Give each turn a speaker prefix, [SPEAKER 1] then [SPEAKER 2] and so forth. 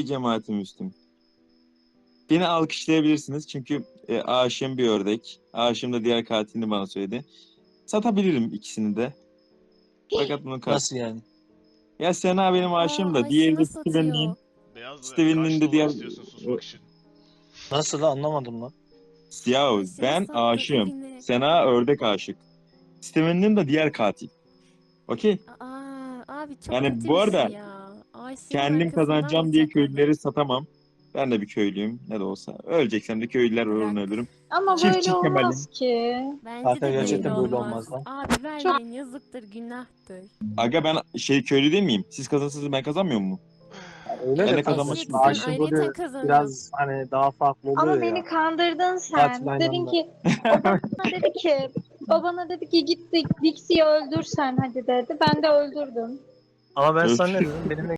[SPEAKER 1] Ey cemaati Müslüm. Beni alkışlayabilirsiniz çünkü aşığım bir ördek. Aşığım da diğer katilini bana söyledi. Satabilirim ikisini de. Fakat bunun karşı...
[SPEAKER 2] Nasıl yani?
[SPEAKER 1] Ya Sena benim aşığım da. Diğeri de
[SPEAKER 3] Ayşe'mi satıyor.
[SPEAKER 4] Beyaz
[SPEAKER 1] Steven'in
[SPEAKER 4] kaç
[SPEAKER 1] de
[SPEAKER 4] dolar
[SPEAKER 1] diğer...
[SPEAKER 4] istiyorsun susmak için?
[SPEAKER 2] Nasıl lan, anlamadım lan.
[SPEAKER 1] Ya
[SPEAKER 3] Ayşe'mi
[SPEAKER 1] ben
[SPEAKER 3] sattı
[SPEAKER 1] aşığım.
[SPEAKER 3] evini.
[SPEAKER 1] Sena ördek aşık. Steven'in de diğer katil. Okey.
[SPEAKER 3] Aa, abi çok
[SPEAKER 1] Yani
[SPEAKER 3] kötü
[SPEAKER 1] bu
[SPEAKER 3] bir
[SPEAKER 1] arada
[SPEAKER 3] şey ya. Ayşe'nin
[SPEAKER 1] kendim
[SPEAKER 3] arkasından
[SPEAKER 1] kazanacağım diye
[SPEAKER 3] bıçakladı.
[SPEAKER 1] köylüleri satamam. Ben de bir köylüyüm ne de olsa. Öleceksem de köylüler uğruna
[SPEAKER 3] Bırak.
[SPEAKER 1] ölürüm.
[SPEAKER 5] Ama böyle
[SPEAKER 1] Çiftçi Kemal'im.
[SPEAKER 5] olmaz ki.
[SPEAKER 3] Bence
[SPEAKER 2] Kanka
[SPEAKER 3] de böyle
[SPEAKER 2] gerçekten böyle
[SPEAKER 3] olmaz.
[SPEAKER 2] olmaz lan.
[SPEAKER 3] Abi vermeyin, yazıktır, günahtır.
[SPEAKER 1] Aga ben köylü değil miyim? Siz kazanırsınız ben kazanmıyor mu?
[SPEAKER 2] Öyle
[SPEAKER 1] Ben
[SPEAKER 2] de
[SPEAKER 1] de
[SPEAKER 2] kanka,
[SPEAKER 1] kazanmak
[SPEAKER 3] Shit,
[SPEAKER 1] için
[SPEAKER 3] sen
[SPEAKER 2] aşığın
[SPEAKER 3] ayrıyeten
[SPEAKER 2] rolü
[SPEAKER 3] kazanıyorsun.
[SPEAKER 2] biraz hani daha farklı oluyor
[SPEAKER 5] Ama
[SPEAKER 2] ya.
[SPEAKER 5] beni kandırdın sen.
[SPEAKER 2] Katil aynı
[SPEAKER 5] Dedin
[SPEAKER 2] anda.
[SPEAKER 5] ki babana dedi ki git Dixie'yi öldür sen hadi dedi. Ben de öldürdüm.
[SPEAKER 2] Ama ben sana ne
[SPEAKER 1] Öf.
[SPEAKER 2] dedim? Benimle